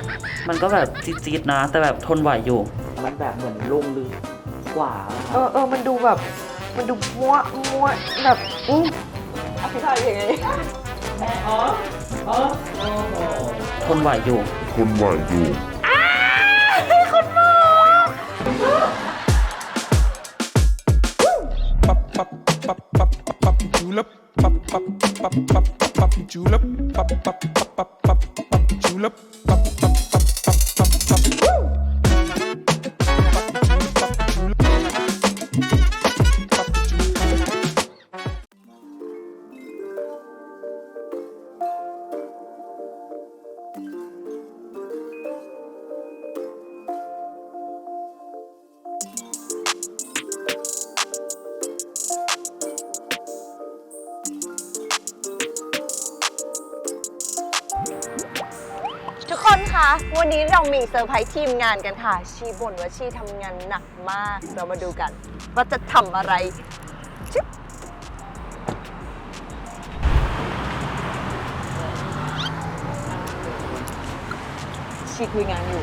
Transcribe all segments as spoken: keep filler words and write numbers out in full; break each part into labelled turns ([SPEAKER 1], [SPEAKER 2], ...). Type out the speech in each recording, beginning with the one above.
[SPEAKER 1] มันก็แบบจี๊ดๆนะแต่แบบทนไหวอยู่มันแบบเหมือนลงลึกกว่า
[SPEAKER 2] เออเออมันดูแบบมันดูมัวมัวแบบอืมอธิบายยังไง
[SPEAKER 1] อ๋ออ๋อทนไหวอยู่
[SPEAKER 3] ทนไหวอยู่
[SPEAKER 2] คุณหมอ
[SPEAKER 4] pop pop pop pop pop julep pop pop pop pop pop julep pop pop pop pop pop julep pop pop pop pop pop pop
[SPEAKER 2] ทุกคนคะวันนี้เรามีเซอร์ไพรส์ทีมงานกันค่ะชีบ่นว่าชีทำงานหนักมากเรามาดูกันว่าจะทำอะไรชิบชีคุยงานอยู่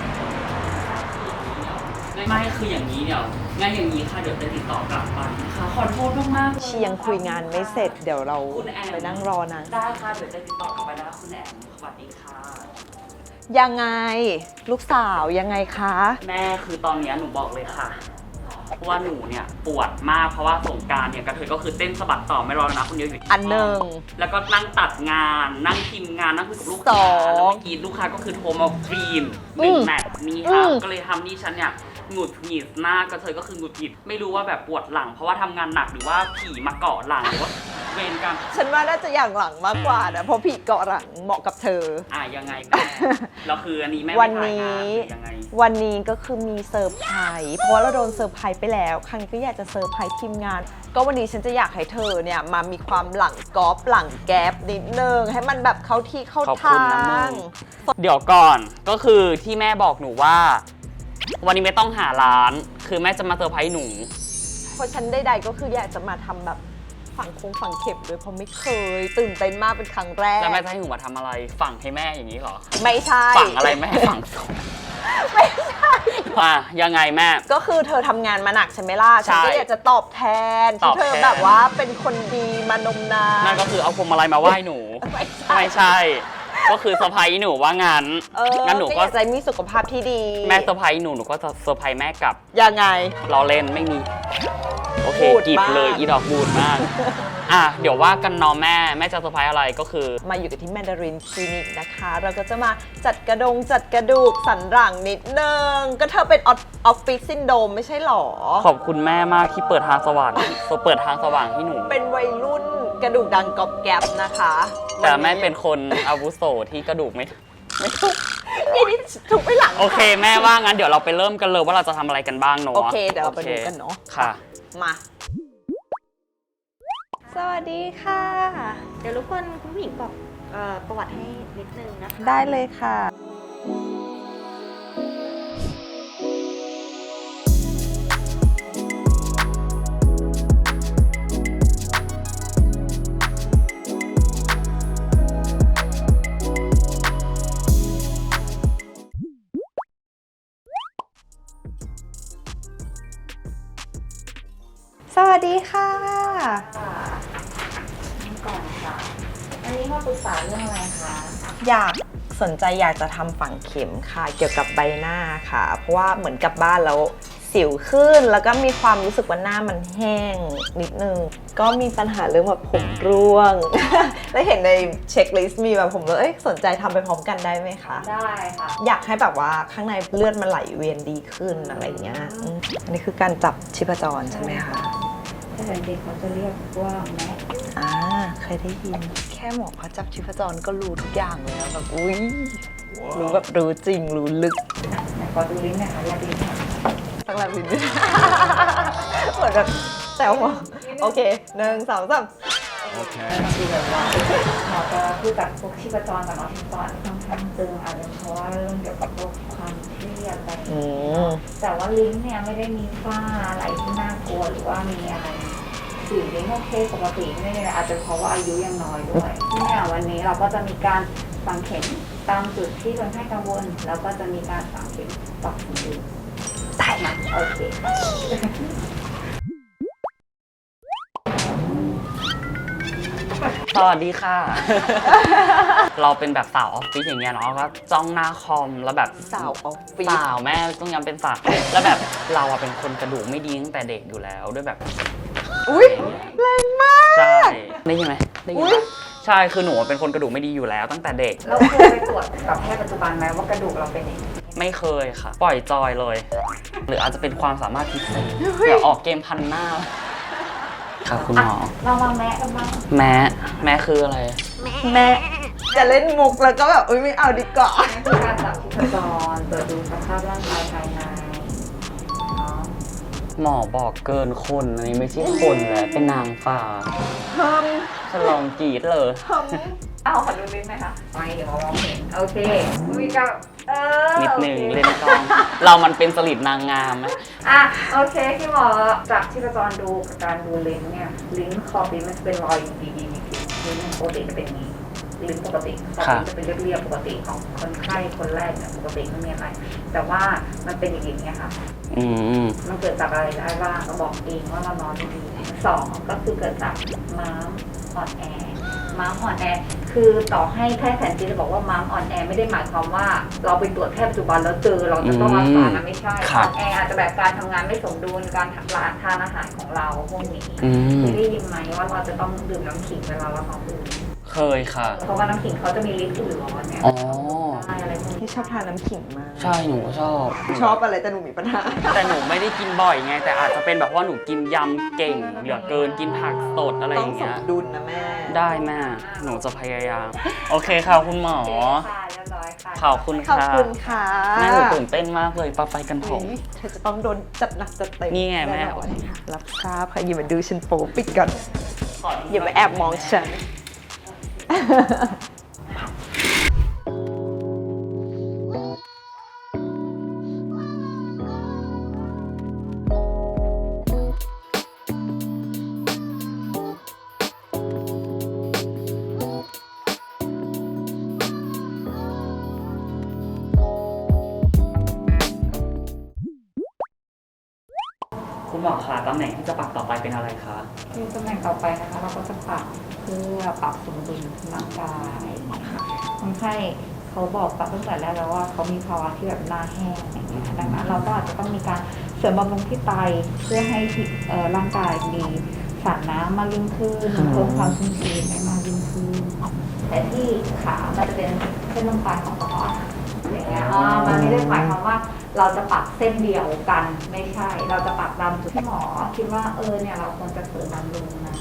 [SPEAKER 1] ไม่คืออย่างนี้เดี๋ยวงั้นอย่างนี้ค่ะเดี๋ยวจะติดต่อกลับไปนะคะขอโทษมากๆ
[SPEAKER 2] ชียังคุยงานไม่เสร็จเดี๋ยวเราไปนั่งรอนะ
[SPEAKER 1] ได้ค่ะเดี๋ยวจะติดต่อกลับไปนะคุณแอมสวัสดีค่ะ
[SPEAKER 2] ยังไงลูกสาวยังไงคะ
[SPEAKER 1] แม่คือตอนนี้หนูบอกเลยค่ะว่าหนูเนี่ยปวดมากเพราะว่าสงการเนี่ยกระเทยก็คือเต้นสะบัดต่อไม่รอแล้วนะคนเดียวอยู่
[SPEAKER 2] อันหนึ่ง
[SPEAKER 1] แล้วก็นั่งตัดงานนั่งพิมพ์งานนั่งคุยกับลูกค้าแล้วเมื่อกี้ลูกค้าก็คือโทรมาฟรีนหนึ่งแมตช์นี้ค่ะก็เลยทำนี่ฉันเนี่ยหงุดหงิดหน้ากระเทยก็คือหงุดหงิดไม่รู้ว่าแบบปวดหลังเพราะว่าทำงานหนักหรือว่าผีมาเกาะหลังหรือว่าเวรกรรม
[SPEAKER 2] ฉันว่าน่าจะอย่างหลังมากกว่านะเพราะผีเกาะหลังเหมาะกับเธอ
[SPEAKER 1] อ่ะยังไงแม่เราคืออันนี้แม่
[SPEAKER 2] วันนี้วันนี้ก็คือมีเซอร์ไพรส์เพราะว่าเราโดนเซอร์ไพรส์ไปแล้วครั้งนี้ก็อยากจะเซอร์ไพรส์ทีมงานก็วันนี้ฉันจะอยากให้เธอเนี่ยมามีความหลังกอล์ฟหลังแก๊ปนิดนึงให้มันแบบเข้าที่เข้าทาง
[SPEAKER 1] เดี๋ยวก่อนก็คือที่แม่บอกหนูว่าวันนี้ไม่ต้องหาร้านคือแม่จะมาเซอร์ไพรส์หนู
[SPEAKER 2] เพราะฉันใดๆก็คืออยากจะมาทำแบบฝังคงฝังเข็มด้วยเพราะไม่เคยตื่นเต้นมากเป็นครั้งแรก
[SPEAKER 1] แล้วแม่จะให้หนูมาทำอะไรฝังให้แม่อย่างนี้เหรอ
[SPEAKER 2] ไม่ใช่
[SPEAKER 1] ฝังอะไรแม่ฝังศพ
[SPEAKER 2] ไม่ใช่
[SPEAKER 1] ว่ายังไงแม่
[SPEAKER 2] ก็คือเธอทำงานมาหนักใช่ไหมล่ะฉันก็อยากจะตอบแทนที่เธอแบบว่าเป็นคนดีมานมนาน
[SPEAKER 1] นั่นก็คือเอาพวงมาลัยมาไหว้หนูไม่ใช่ก็คือเซอร์ไพรส์หนูว่างั้น
[SPEAKER 2] งั้นหนูก็ใจมีสุขภาพที่ดี
[SPEAKER 1] แม่เซอร์ไพรส์หนูหนูก็จะเซอร์ไพรส์แม่กลับ
[SPEAKER 2] ยังไง
[SPEAKER 1] เราเล่นไม่มีโอเคกีบเลยอีดอกบูดมากอ่ะเดี๋ยวว่ากันน้องแม่แม่จะเซอร์ไพรส์อะไรก็คือ
[SPEAKER 2] มาอยู่กับที่แมนดารินคลินิกนะคะเราก็จะมาจัดกระดงจัดกระดูกสันหลังนิดนึงก็เธอเป็นออฟฟิศซินโดรมไม่ใช่หรอ
[SPEAKER 1] ขอบคุณแม่มากที่เปิดทางสว่างเปิดทางสว่างให้หนู
[SPEAKER 2] เป็นวัยรุ่นกระดูกดังกรอบแกรบนะคะ
[SPEAKER 1] แต่แม่เป็นคนอาวุโสที่กระดูกไม่
[SPEAKER 2] ไม่ถูกนี่ถูกไปหลัง
[SPEAKER 1] โอเคแม่ว่างั้นเดี๋ยวเราไปเริ่มกันเลยว่าเราจะทำอะไรกันบ้างเนาะ
[SPEAKER 2] โอเคเดี๋ยวเราไปดูกันเนาะ
[SPEAKER 1] ค่ะ
[SPEAKER 2] มาสวัสดีค่ะ
[SPEAKER 5] เดี๋ยวรบกวนคุณผู้หญิงบอกประวัติให้นิดนึงนะคะ
[SPEAKER 2] ได้เลยค่ะสวัสดีค่ะ
[SPEAKER 5] ก่อนค่ะอันนี้มาปรึกษาเรื่องอะไรคะ
[SPEAKER 2] อยากสนใจอยากจะทำฝังเข็มค่ะเกี่ยวกับใบหน้าค่ะเพราะว่าเหมือนกลับบ้านแล้วสิวขึ้นแล้วก็มีความรู้สึกว่าหน้ามันแห้งนิดนึงก็มีปัญหาเรื่องแบบผมร่วง แล้วเห็นในเช็คลิสต์มีแบบผมเลยเอ้ยสนใจทำไปพร้อมกันได้ไหมคะ
[SPEAKER 5] ได้ค่ะ
[SPEAKER 2] อยากให้แบบว่าข้างในเลือดมันไหลเวียนดีขึ้นอะไรเงี้ยอันนี้คือการจับชีพจรใช่ไหมคะ
[SPEAKER 5] ถ้าเด็กเขาจะเรียกว่าแม็ก
[SPEAKER 2] อ่าเคยได้ยินแค่หมอเขาจับชีพจรก็รู้ทุกอย่างแล้วแบบอุ้ยรู้แบบรู้จริงรู้ลึก
[SPEAKER 5] ไหนขอดูลิ้นหน่อยค่ะแลบลิ้นหน่อย
[SPEAKER 2] ตั้งแลบลิ้นเหมือนแบบแซวหมอโอเคหนึ่งสองสาม
[SPEAKER 5] โอเคคือแบบว่าหมอจะคือจากพวกชีพจรกับน้องชีพจรค่อนข้างตึงอาจจะเพราะว่าเรื่องเกี่ยวกับพวกความเครียดอะไรแต่ว่าลิ้นเนี่ยไม่ได้มีฝ้าอะไรที่น่ากลัวหรือว่ามีอะไรสีลิ้นโอเคปกติไม่ได้อาจจะเพราะว่าอายุยังน้อยด้วยเนี่ยวันนี้เราก็จะมีการฝังเข็มตามจุดที่คนไข้กังวลแล้วก็จะมีการฝังเข็มปรับสมดุล
[SPEAKER 2] ได้ค่ะ
[SPEAKER 5] โอเค
[SPEAKER 1] สวัสดีค่ะ เราเป็นแบบสาวออฟฟิศอย่างเงี้ยเนาะก็จ้องหน้าคอมแล้วแบบ
[SPEAKER 2] สาวออฟฟิศ
[SPEAKER 1] สาวแม่ต้องย้ำเป็นสาวแล้วแบบเราอะเป็นคนกระดูกไม่ดีตั้งแต่เด็กอยู่แล้วด้วยแบบ
[SPEAKER 2] อุ้ยแรงมาก
[SPEAKER 1] ใช่ได้ยินไหมได้ยิน
[SPEAKER 2] อุ๊
[SPEAKER 1] ไหม
[SPEAKER 2] ย
[SPEAKER 1] ใช่คือหนูเป็นคนกระดูกไม่ดีอยู่แล้วตั้งแต่เด็ก
[SPEAKER 5] เราเคยไปตรวจกับแพทย์ปัจจุบันไหมว่ากระดูกเราเป็นยังไง
[SPEAKER 1] ไม่เคยค่ะ ปล่อยจอยเลย หรืออาจจะเป็นความสามารถพิเศษเดี๋ยวออกเกมพันหน้าครับคุณหมอ
[SPEAKER 5] เรามาแมะกันบ้าง
[SPEAKER 1] แม้แม้คืออะไร
[SPEAKER 2] แม่จะเล่นมุกแล้วก็แบบอุ้ยไม่เอาดีกว่า
[SPEAKER 5] นี่คือการจับชีพจรตรวจดูสภาพร่างกายภายในเนาะ
[SPEAKER 1] หมอบอกเกินคนอันนี้ไม่ใช่คนแล้วเป็นนางฟ้า
[SPEAKER 2] เพิ่ม
[SPEAKER 1] ฉลองกรีดเลย
[SPEAKER 2] เพิ่ม
[SPEAKER 5] เอาขอดูลิ้นหน่อยค่ะไม่เดี๋ยวมองเห็นโอเคมีกับเออ
[SPEAKER 1] นิดนึง
[SPEAKER 5] โอค
[SPEAKER 1] เล่นกล้องเรามันเป็นสลิดนางงามไหม
[SPEAKER 5] อ่ะโอเคที่หมอจับชีพจรดูกับการดูลิ้นเนี่ยลิ้นขอบลิ้นมันจะเป็นรอยดีๆนิดๆลิ้นปกติจะเป็นอย่างนี้ลิ้นปกติขอบลิ้นจะเป็นเรียบๆปกติของคนไข้คนแรกเนี่ยปกติไม่มีอะไร แต่ว่ามันเป็นอย่างนี้ค่ะ
[SPEAKER 1] อืม
[SPEAKER 5] มันเกิดจากอะไรได้บ้างเราบอกเองว่าเรานอนดีๆสองก็คือเกิดจากม้ามอ่อนแอม้ามอ่อนแอคือต่อให้แพทย์แผนจีนจะบอกว่าม้ามอ่อนแอไม่ได้หมายความว่าเราไปตรวจแพทย์ปัจจุบันแล้วเจอเราจะต้องรักษานะไม่ใช่อ่อนแออาจจะแบบการทำงานไม่สมดุลการทานอาหารของเราพวกนี้
[SPEAKER 1] อืม
[SPEAKER 5] เคยได้ยินไหมว่าเราจะต้องดื่มน้ำขิงเวลาเราท้องอืด
[SPEAKER 1] เคยค่ะ
[SPEAKER 5] เพราะว่าน้ำขิงเขาจะมีฤทธิ์อื่นร้อนเนี่ย
[SPEAKER 1] อ๋อ
[SPEAKER 5] ใช่อะไรพวกนี้
[SPEAKER 2] ที่ชอบทานน้ำขิงมาก
[SPEAKER 1] ใช่หนูก็ชอบ
[SPEAKER 2] ชอบอะไรแต่หนูมีปัญหา
[SPEAKER 1] แต่หนูไม่ได้กินบ่อยไง แต่อาจจะเป็นแบบว่าหนูกินยำเก่งเหลือเกินกินผักสดอะไรอ
[SPEAKER 2] ต้อง
[SPEAKER 1] ย่าง
[SPEAKER 2] ส
[SPEAKER 1] เงี้
[SPEAKER 2] ม
[SPEAKER 1] ย
[SPEAKER 2] ดุลนะแม่
[SPEAKER 1] ได้แม่หนูจะพยายาม โอเคค่ะคุณหมอ
[SPEAKER 5] ค่ะเรียบร้อยค่ะ
[SPEAKER 1] ขอบคุณ
[SPEAKER 2] ขอบ
[SPEAKER 1] ค่ะ
[SPEAKER 2] คุณค่ะ
[SPEAKER 1] แม่หนูตื่นเต้นมากเลยปะไปกันเถ
[SPEAKER 2] อุ๊
[SPEAKER 1] อะ
[SPEAKER 2] ยเธอจะต้องโดนจัดหนักจัดเต็ม
[SPEAKER 1] นี่ไงแม่
[SPEAKER 2] น่นอนค่ะรับทราบค่ะอย่ามาดูฉันโป๊ปิดก่อน
[SPEAKER 1] ขดู
[SPEAKER 2] อย่ามาแอบมองฉัน
[SPEAKER 1] คุณหมอคะตำแหน่งที่จะปักต่อไปเป็นอะไรคะ
[SPEAKER 5] คือตำแหน่งต่อไปนะคะเราก็จะปรับเพื่อปรับสมดุลร่างกายนะคะคนไข้เขาบอกตั้งแต่แรกแล้วว่าเขามีภาวะที่แบบหน้าแห้งอย่างเงี้ยดังนั้นเราก็อาจจะต้องมีการเสริมบำรุงที่ไตเพื่อให้เอ่อร่างกายมีสารน้ำมากยิ่งขึ้นเพิ่มความชุ่มชื้นได้มากยิ่งขึ้นแต่ที่ขามันจะเป็นเส้นลมปลายของกระเพาะอาหารอย่างเงี้ยอ๋อมันไม่ได้หมายความว่าเราจะปรับเส้นเดียวกันไม่ใช่ เราจะปรับตามจุดที่หมอคิดว่าเออเนี่ยเราควรจะเสริมบำรุงนะ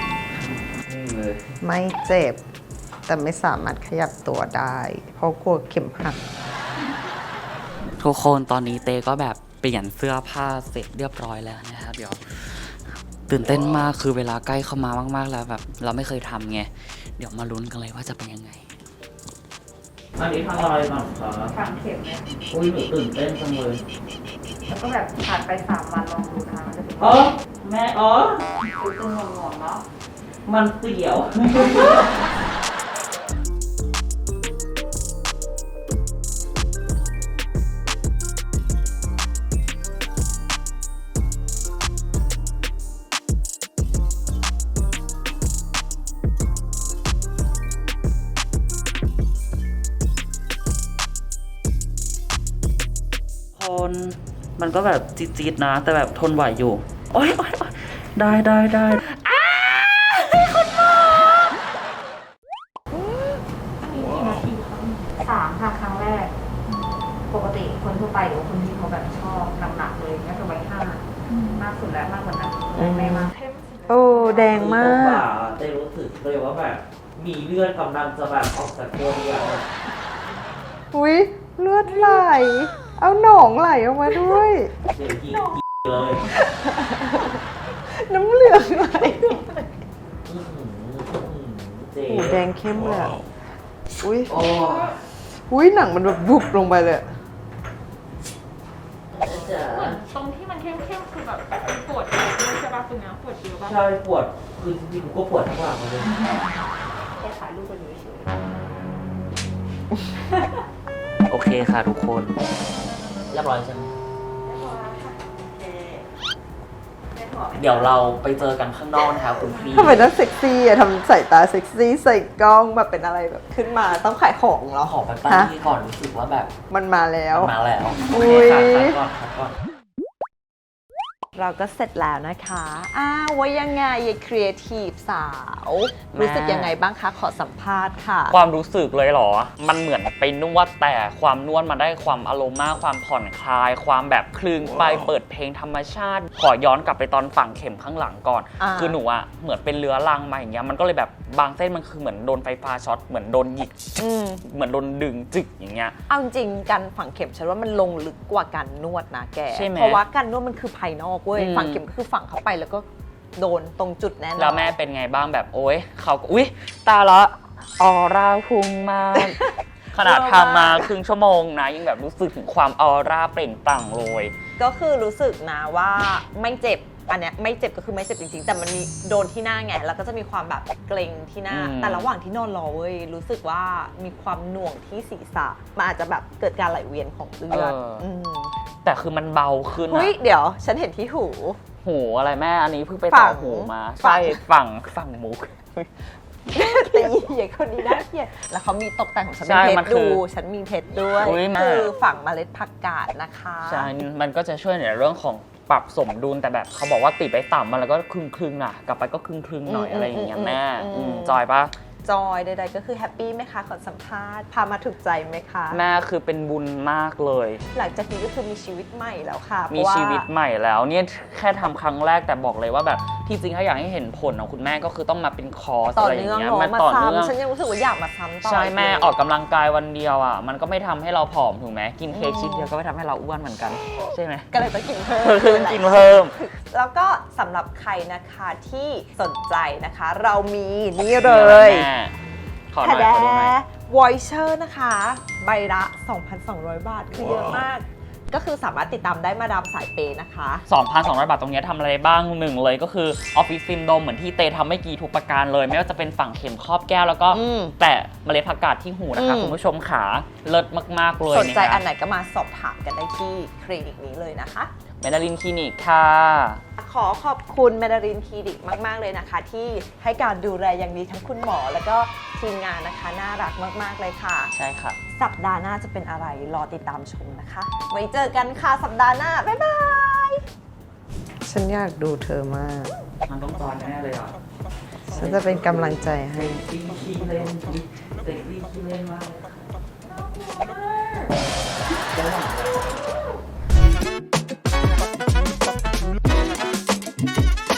[SPEAKER 2] ไม่เจ็บ แต่ไม่สามารถขยับตัวได้ เพราะกลัวเข็มหัก
[SPEAKER 1] ทุกคนตอนนี้เตก็แบบเปลี่ยนเสื้อผ้าเสร็จเรียบร้อยแล้วนะครับเดี๋ยวตื่นเต้นมากคือเวลาใกล้เข้ามามากๆแล้วแบบเราไม่เคยทำไงเดี๋ยวมาลุ้นกันเลยว่าจะเป็นยังไงอันนี้ทำอะไรบ้างคะ
[SPEAKER 5] ฝังเข็มเนี่ย
[SPEAKER 1] อุ้ยหนูตื่นเต้นจังเลย
[SPEAKER 5] แล้วก็แบบผ่านไปสามวันลองดูนะคะมันจะเป็น
[SPEAKER 1] อ๋อแม่อ๋อ
[SPEAKER 5] คือตึงงงๆเนาะ
[SPEAKER 1] มันเสียว คนมันก็แบบจี๊ดๆนะ แต่แบบทนไหวอยู่ โอ๊ยโอ๊ยโอ๊ยได้ได้ได้
[SPEAKER 5] สามค่ะครั้งแรก ปกติคนทั่วไปหรือว่าคนที่เขาแบบชอบหนักๆเลยเนี่ยจะไว้ห้ามากสุดแล้วมากกว่านั้นไม่มาก
[SPEAKER 2] โอ้แดงมาก
[SPEAKER 3] ได้รู้สึกเลยว่าแบบมีเลือดกำลังจะแบบออกจากตัวเดียว
[SPEAKER 2] อุ้ยเลือดไหล เอาหนองไหลออกมาด้วย
[SPEAKER 3] เดี๋ยวยิงเลย
[SPEAKER 2] น้ำเหลืองไหล
[SPEAKER 3] อื้อหืออื้อหือเจ๊
[SPEAKER 2] โอ้แดงเข้มเลยอะอุ้ย
[SPEAKER 3] โอ้
[SPEAKER 2] อุ้ยหนังมันแบบบุบลงไปเลยอะ
[SPEAKER 3] จ๋า
[SPEAKER 6] ตรงที่มันเข้มๆคือแบบปวดเยอะด้วยใช่ป่ะตรงเนี้ยปวดเยอะป่ะ
[SPEAKER 3] ใช่ปวดคือจริงๆกูก็ปวดทั้งหลังเลย
[SPEAKER 5] แค่ถ่ายรูปกันอยู่เฉย
[SPEAKER 1] โอเคค่ะทุกคน
[SPEAKER 3] เรียบร้อยใช่ไหมเดี๋ยวเราไปเจอกันข้างนอกนะคะคุณพี่
[SPEAKER 2] ทำไมต้องเซ็กซี่อะทำสายตาเซ็กซี่ใส่กล้องแบบเป็นอะไรแบบขึ้นมาต้องขายของเหรอ
[SPEAKER 3] ขอไปป้า
[SPEAKER 2] ฮะ
[SPEAKER 3] ที่ก่อนรู้สึกว่าแบบ
[SPEAKER 2] มันมาแล้ว
[SPEAKER 3] มันมาแล้ว
[SPEAKER 2] อุ๊
[SPEAKER 3] โอเค
[SPEAKER 2] ย
[SPEAKER 3] ค่ะคัดก่อนคัดก่อน
[SPEAKER 2] เราก็เสร็จแล้วนะคะอ้าวว่ายังไงยายครีเอทีฟสาว
[SPEAKER 1] แม่
[SPEAKER 2] รู้สึกยังไงบ้างคะ ขอสัมภาษณ์ค่ะ
[SPEAKER 1] ความรู้สึกเลยเหรอ มันเหมือนไปนวดแต่ความนวดมาได้ความอารมณ์มากความผ่อนคลาย ความแบบคลึงไปเปิดเพลงธรรมชาติ ขอย้อนกลับไปตอนฝังเข็มข้างหลังก่อน
[SPEAKER 2] อ่า
[SPEAKER 1] คือหนูอะเหมือนเป็นเรื้อรังมาอย่างเงี้ย มันก็เลยแบบบางเส้นมันคือเหมือนโดนไฟฟ้าช็อต เหมือนโดนหยิก
[SPEAKER 2] อืม
[SPEAKER 1] เหมือนโดนดึงจึกอย่างเงี้ย
[SPEAKER 2] เอาจริงๆการฝังเข็มฉันว่ามันลงลึกกว่าการนวดนะแก
[SPEAKER 1] ใช่ไหม
[SPEAKER 2] เพราะว่าการนวดมันคือภายนอกเว้ย
[SPEAKER 1] อืม
[SPEAKER 2] ฝังเข็มก็คือฝังเข้าไปแล้วก็โดนตรงจุดแน่นอน
[SPEAKER 1] แล้วแม่เป็นไงบ้างแบบโอ๊ยเขาก็อุ๊ย ตาละออร่าพุ่งมาก ขนาดทำมาครึ่งชั่วโมงนะ ยังแบบรู้สึกถึงความออร่าเปล่งปลั่งเลย
[SPEAKER 2] ก็คือรู้สึกนะว่าไม่เจ็บ อันเนี้ยไม่เจ็บก็คือไม่เจ็บจริงๆ แต่มันมีโดนที่หน้าไง แล้วก็จะมีความแบบเกร็งที่หน้า
[SPEAKER 1] อืม
[SPEAKER 2] แต่ระหว่างที่นอนรอเว้ยรู้สึกว่ามีความหน่วงที่ศีรษะ มันอาจจะแบบเกิดการไหลเวียนของเลือดม
[SPEAKER 1] แต่คือมันเบาขึ้น
[SPEAKER 2] เฮ้
[SPEAKER 1] อะ
[SPEAKER 2] ยเดี๋ยวฉันเห็นที่หู
[SPEAKER 1] หูอะไรแม่ อันนี้เพิ่งไป
[SPEAKER 2] ฝั่
[SPEAKER 1] ต่อง หูมา
[SPEAKER 2] ฝั่
[SPEAKER 1] ใช่
[SPEAKER 2] ง
[SPEAKER 1] ฝั่งฝั่งมุก
[SPEAKER 2] ตีใหญ่คนนี้น่าเกลียดแล้วเขามีตกแต่งของฉัน
[SPEAKER 1] ใช่
[SPEAKER 2] เป็นเพ
[SPEAKER 1] มั
[SPEAKER 2] ช
[SPEAKER 1] น
[SPEAKER 2] ร
[SPEAKER 1] คื
[SPEAKER 2] ดู
[SPEAKER 1] อ
[SPEAKER 2] ฉันมีเพชรด้วย
[SPEAKER 1] อุ๊ยแม่
[SPEAKER 2] คือฝังเมล็ดผักกาดนะคะ
[SPEAKER 1] ใช่ มันก็จะช่วยในเรื่องของปรับสมดุลแต่แบบเขาบอกว่าติดไปต่ำมาแล้วก็ครึ่งครึ่งๆน่ะ กลับไปก็ครึ่งครึ่งๆหน่อยอะไรอย่างเงี้ยแม่อืมจอยปะ
[SPEAKER 2] จอยใดๆก็คือแฮปปี้ไหมคะขอสัมภาษณ์พามาถูกใจไหมคะ
[SPEAKER 1] แม่คือเป็นบุญมากเลย
[SPEAKER 2] หลังจากนี้ก็คือมีชีวิตใหม่แล้วค่ะ
[SPEAKER 1] มี
[SPEAKER 2] เพราะา
[SPEAKER 1] ชีวิตใหม่แล้วเนี่ยแค่ทำครั้งแรกแต่บอกเลยว่าแบบที่จริงถ้าอยากให้เห็นผลของคุณแม่ก็คือต้องมาเป็นคอร์ส
[SPEAKER 2] ต่อ
[SPEAKER 1] อะไรอย่า
[SPEAKER 2] เนื่อง
[SPEAKER 1] งเงี้ย
[SPEAKER 2] เนาะ
[SPEAKER 1] มัน
[SPEAKER 2] มา
[SPEAKER 1] ต่อเนื่อง
[SPEAKER 2] ซ้ำฉันยังรู้สึกว่าอยากมาซ้ำต่อ
[SPEAKER 1] ใช่แม่
[SPEAKER 2] เลย
[SPEAKER 1] ออกกำลังกายวันเดียวอ่ะมันก็ไม่ทำให้เราผอมถูกไหมกินเค้กชิ้นเดียวก็ไม่ทำให้เราอ้วนเหมือนกันใช่ไหม
[SPEAKER 2] ก็เลยต้องกินเพิ่ม
[SPEAKER 1] เพิ่มกินเพิ่ม
[SPEAKER 2] แล้วก็สำหรับใครนะคะที่สนใจนะคะ เรามีนี่เลย
[SPEAKER 1] แม่ขอห
[SPEAKER 2] แท
[SPEAKER 1] น่อย
[SPEAKER 2] แด
[SPEAKER 1] ขอดูหน่อย
[SPEAKER 2] วอยเชอร์นะคะ ใบละ สองพันสองร้อย บาท คือเยอะมาก ก็คือสามารถติดตามได้มาดามสายเปย์นะคะ
[SPEAKER 1] สองพันสองร้อย บาทตรงเนี้ยทำอะไรบ้างหนึ่งเลยก็คือออฟฟิศซินโดมเหมือนที่เตทำไม่กี่ทุกประการเลย ไม่ว่าจะเป็นฝั่งเข็มครอบแก้วแล้วก็
[SPEAKER 2] อืม
[SPEAKER 1] แตะเมล็ดผักกาดที่หูนะคะ
[SPEAKER 2] อืม
[SPEAKER 1] คุณผู้ชมขาเลิศมากๆเลย
[SPEAKER 2] สนใจ
[SPEAKER 1] ะคะ
[SPEAKER 2] อันไหนก็มาสอบถามกันได้ที่คลินิกนี้เลยนะคะ
[SPEAKER 1] เมนาลินคลินิกค่ะ
[SPEAKER 2] ขอขอบคุณเมดารินคลินิกมาก ๆ เลยนะคะ ที่ให้การดูแลอย่างดีทั้งคุณหมอ แล้วก็ทีมงานนะคะ น่ารักมาก ๆ เลยค่ะ
[SPEAKER 1] ใช่ค่ะ
[SPEAKER 2] สัปดาห์หน้าจะเป็นอะไรรอติดตามชมนะคะ ไว้เจอกันค่ะสัปดาห์หน้า บ๊ายบาย ฉันอยากดูเธอมาก
[SPEAKER 1] มันต้องตอนแน่เลยอ่ะ
[SPEAKER 2] ฉันจะเป็นกำลังใจให้
[SPEAKER 3] เซ็กซี่ขี้เล่นเซ็กซี่ขี้เล่นมากเลยค่ะ